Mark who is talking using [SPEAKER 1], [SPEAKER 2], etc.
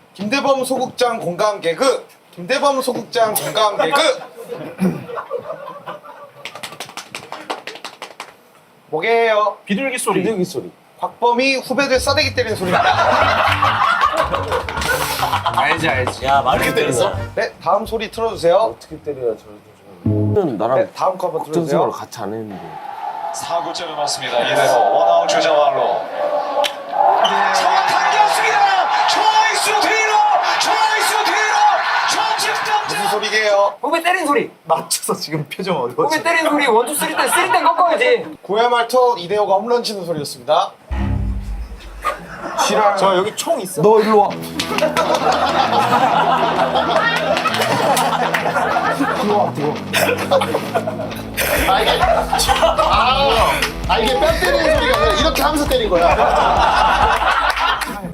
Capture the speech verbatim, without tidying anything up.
[SPEAKER 1] 김대범 소극장 공감 개그. 김대범 소극장 공감 개그. 뭐게요?
[SPEAKER 2] 비둘기 소리.
[SPEAKER 3] 비둘기 소리.
[SPEAKER 1] 곽범이 후배들 싸대기 때리는 소리입니다.
[SPEAKER 2] 알지 알지.
[SPEAKER 4] 야 말을 때렸어?
[SPEAKER 1] 네, 다음 소리 틀어주세요.
[SPEAKER 3] 어떻게 때려야 저를 좀. 나랑
[SPEAKER 1] 네, 다음 거 한번
[SPEAKER 3] 국정
[SPEAKER 1] 틀어주세요.
[SPEAKER 3] 생활을 같이 안 했는데.
[SPEAKER 5] 사 구째를 맞습니다. 이대로 원아웃 주자말로 정확하게 겼습니다. 초이스 뒤로 초이스 뒤로 좌측
[SPEAKER 1] 무슨 소리게요?
[SPEAKER 4] 후배 때린 소리.
[SPEAKER 2] 맞춰서 지금 표정 어려워.
[SPEAKER 4] 후배 때린 소리 원투 쓰리 때 쓰리 때 꺾어야지.
[SPEAKER 1] 구회 말투 이대호가 홈런 치는 소리였습니다. 싫어요.
[SPEAKER 2] 저 여기 총 있어.
[SPEAKER 3] 너 일로 와.
[SPEAKER 6] 아 이게 아, 아 이게 뺨 때리는 소리가 아니라 이렇게 하면서 때린 거야.